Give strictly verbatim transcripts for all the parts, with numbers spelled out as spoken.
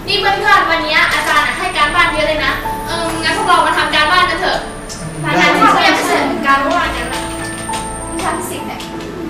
นี่เพื่อนๆวันนี้อาจารย์ให้การบ้านเยอะเลยนะเอองั้นพวกเรามาทำการบ้านกันเถอะงานที่เรายังไม่เสร็จการบ้านกันนะวิชาฟิสิกส์เนี่ย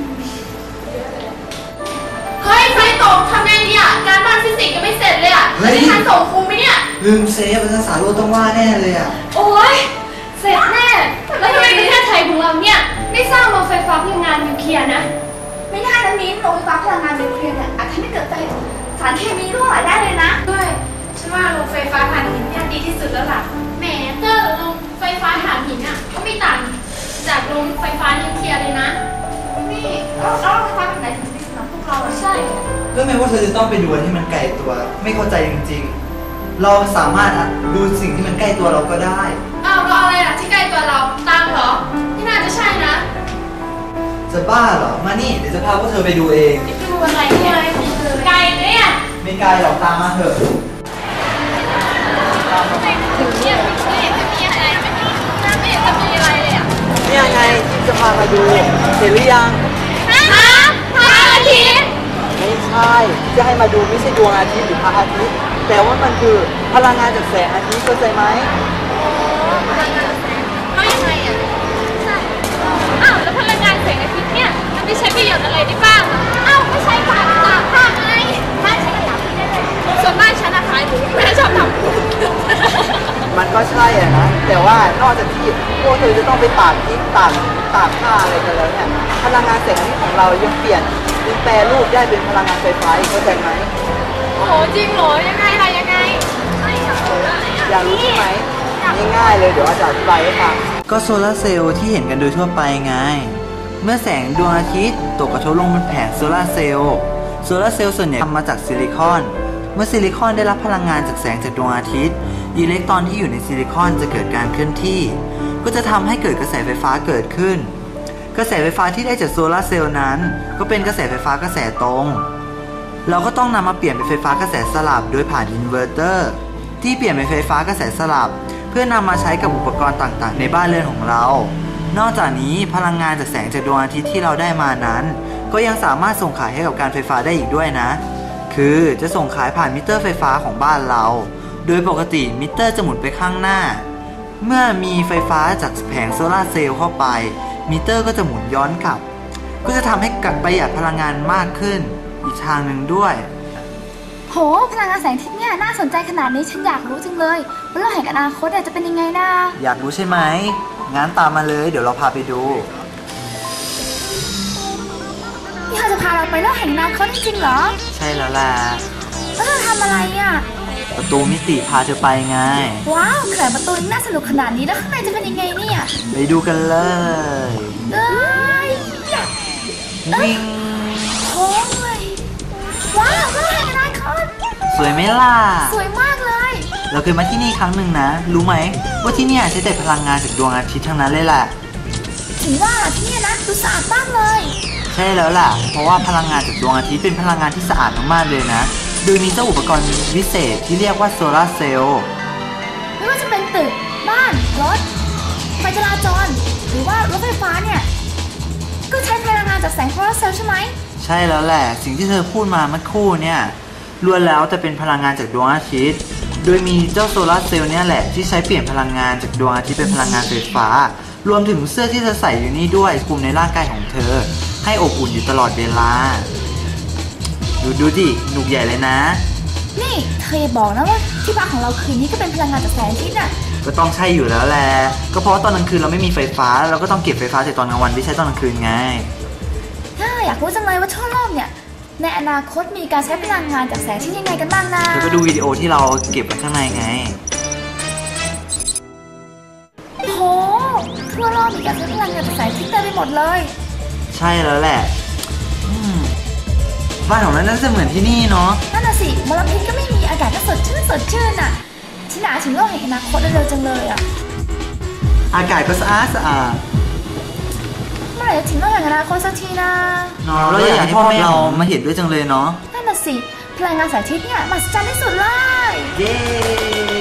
เฮ้ยไฟตกทำไงดีอ่ะการบ้านฟิสิกส์ยังไม่เสร็จเลยอ่ะจะทันส่งครูไหมเนี่ยลืมเซฟภาษาโลกต้องว่าแน่เลยอ่ะโอ้ยเสร็จแน่แล้วทำไมประเทศไทยของเราเนี่ยไม่สร้างโรงไฟฟ้าพลังงานนิวเคลียร์นะไม่ได้นะมิ้นโรงไฟฟ้าพลังงานนิวเคลียร์เนี่ยอาจทำให้เกิดไฟสารเคมีรั่วไหลได้เลยนะด้วยฉันว่าโรงไฟฟ้าถ่านหินเนี่ยดีที่สุดแล้วล่ะแหมเตอร์โรงไฟฟ้าถ่านหินอ่ะก็ไม่ต่างจากโรงไฟฟ้านิวเคลียร์เลยนะนี่แล้วโรงไฟฟ้าแบบไหนถึงดีสำหรับพวกเราใช่ก็แม้ว่าเธอจะต้องไปดูที่มันไกลตัวไม่เข้าใจจริงๆเราสามารถดูสิ่งที่มันใกล้ตัวเราก็ได้อ้าวเราอะไรล่ะที่ใกล้ตัวเราตังเหรอที่น่าจะใช่นะจะบ้าเหรอมานี่เดี๋ยวจะพาพวกเธอไปดูเองไปดูอะไรเนี่ยไกลเนี่ยไม่ไกลหรอกตามมาเถอะถึงเนี่ยไม่เห็นจะมีอะไรไม่เห็นจะมีอะไรเลยอ่ะนี่ยังไงที่จะพามาดูเห็นหรือยังฮะพระอาทิตย์ไม่ใช่จะให้มาดูไม่ใช่ดวงอาทิตย์หรือพระอาทิตย์แต่ว่ามันคือพลังงานจากแสงอาทิตย์เข้าใจไหมเขายังไงอ่ะใช่อ้าวแล้วพลังงานแสงอาทิตย์เนี่ยมันไม่ใช้ประโยชน์อะไรได้บ้างอ้าวไม่ใช่ฝาตากผ้าไงบ้านฉันก็ทำได้เลยส่วนบ้านฉันอะขายหมูไม่ได้ชอบทำมันก็ใช่อ่ะนะแต่ว่านอกจากที่พวกเธอจะต้องไปตากพริกตากตากผ้าอะไรกันแล้วเนี่ยพลังงานแสงอาทิตย์ของเรายังเปลี่ยนเป็นแปรรูปได้เป็นพลังงานไฟฟ้าอีกเข้าใจไหมโอ้โหจริงเหรอยังไงล่ะยังไงอยากรู้ใช่ไหมง่ายๆเลยเดี๋ยวอาจารย์อธิบายให้ฟังก็โซลาร์เซลล์ที่เห็นกันโดยทั่วไปไงเมื่อแสงดวงอาทิตย์ตกกระทบลงบนแผงโซลาร์เซลล์โซลาร์เซลล์ส่วนใหญ่ทำมาจากซิลิคอนเมื่อซิลิคอนได้รับพลังงานจากแสงจากดวงอาทิตย์อิเล็กตรอนที่อยู่ในซิลิคอนจะเกิดการเคลื่อนที่ก็จะทำให้เกิดกระแสไฟฟ้าเกิดขึ้นกระแสไฟฟ้าที่ได้จากโซลาร์เซลล์นั้นก็เป็นกระแสไฟฟ้ากระแสตรงเราก็ต้องนำมาเปลี่ยนเป็นไฟฟ้ากระแสสลับโดยผ่านอินเวอร์เตอร์ที่เปลี่ยนเป็นไฟฟ้ากระแสสลับเพื่อนำมาใช้กับอุปกรณ์ต่างๆในบ้านเรือนของเรานอกจากนี้พลังงานจากแสงจากดวงอาทิตย์ที่เราได้มานั้นก็ยังสามารถส่งขายให้กับการไฟฟ้าได้อีกด้วยนะคือจะส่งขายผ่านมิเตอร์ไฟฟ้าของบ้านเราโดยปกติมิเตอร์จะหมุนไปข้างหน้าเมื่อมีไฟฟ้าจากแผงโซลาร์เซลล์เข้าไปมิเตอร์ก็จะหมุนย้อนกลับก็จะทำให้ประหยัดพลังงานมากขึ้นอีกทางหนึ่งด้วยโหพลังงานแสงอาทิตย์เนี่ยน่าสนใจขนาดนี้ฉันอยากรู้จังเลยว่าโลกแห่งอนาคตจะเป็นยังไงนะอยากรู้ใช่ไหมงั้นตามมาเลยเดี๋ยวเราพาไปดูนี่เธอจะพาเราไปโลกแห่งอนาคตจริงๆเหรอใช่แล้วล่ะแล้วเธอทำอะไรอ่ะประตูมิติพาเธอไปไงว้าวขนาดประตูนี่น่าสนุกขนาดนี้แล้วข้างในจะเป็นยังไงเนี่ยไปดูกันเลยเอ้ยวิ่งโอ้ยว้าวโลกแห่งอนาคตสวยไหมล่ะสวยมากเลยเราเคยมาที่นี่ครั้งหนึ่งนะรู้ไหมว่าที่นี่ใช้แต่พลังงานจากดวงอาทิตย์ทั้งนั้นเลยแหละถึงว่าที่นี่นะดูสะอาดมากเลยใช่แล้วล่ะเพราะว่าพลังงานจากดวงอาทิตย์เป็นพลังงานที่สะอาดมากๆเลยนะโดยมีเจ้าอุปกรณ์วิเศษที่เรียกว่าโซลาร์เซลล์ไม่ว่าจะเป็นตึกบ้านรถไฟจราจรหรือว่ารถไฟฟ้าเนี่ยก็ใช้พลังงานจากแสงโซลาร์เซลล์ใช่ไหมใช่แล้วแหละสิ่งที่เธอพูดมาเมื่อครู่เนี่ยล้วนแล้วจะเป็นพลังงานจากดวงอาทิตย์โดยมีเจ้าโซลาร์เซลล์เนี่ยแหละที่ใช้เปลี่ยนพลังงานจากดวงอาทิตย์เป็นพลังงานไฟฟ้ารวมถึงเสื้อที่เธอใส่อยู่นี่ด้วยคุมในร่างกายของเธอให้อบอุ่นอยู่ตลอดเวลาดูดูดิหนุกใหญ่เลยนะนี่เธออย่าบอกนะว่าที่พักของเราคืนนี้ก็เป็นพลังงานจากแสงอาทิตย์น่ะก็ต้องใช่อยู่แล้วแหละก็เพราะตอนกลางคืนเราไม่มีไฟฟ้าเราก็ต้องเก็บไฟฟ้าจากตอนกลางวันที่ใช้ตอนกลางคืนไงอยากรู้จังเลยว่าทั่วโลกเนี่ยในอนาคตมีการใช้พลังงานจากแสงที่ยังไงกันบ้างนะเธอก็ดูวิดีโอที่เราเก็บไว้ข้างในไงโหทั่วโลกมีการใช้พลังงานจากแสงที่เต็มไปหมดเลยใช่แล้วแหละบ้านของเราน่าจะเหมือนที่นี่เนาะนั่นน่ะสิมลพิษก็ไม่มีอากาศก็สดชื่นสดชื่นอ่ะฉันอยากถึงโลกแห่งอนาคตเร็วๆจังเลยอ่ะอากาศก็สะอาดสะอาดเมื่อไหร่จะถึงโลกแห่งอนาคตสักทีนะเราอยากให้พ่อแม่เรามาเห็นด้วยจังเลยเนาะนั่นน่ะสิพลังงานแสงอาทิตย์เนี่ยมหัศจรรย์ที่สุดเลยเย้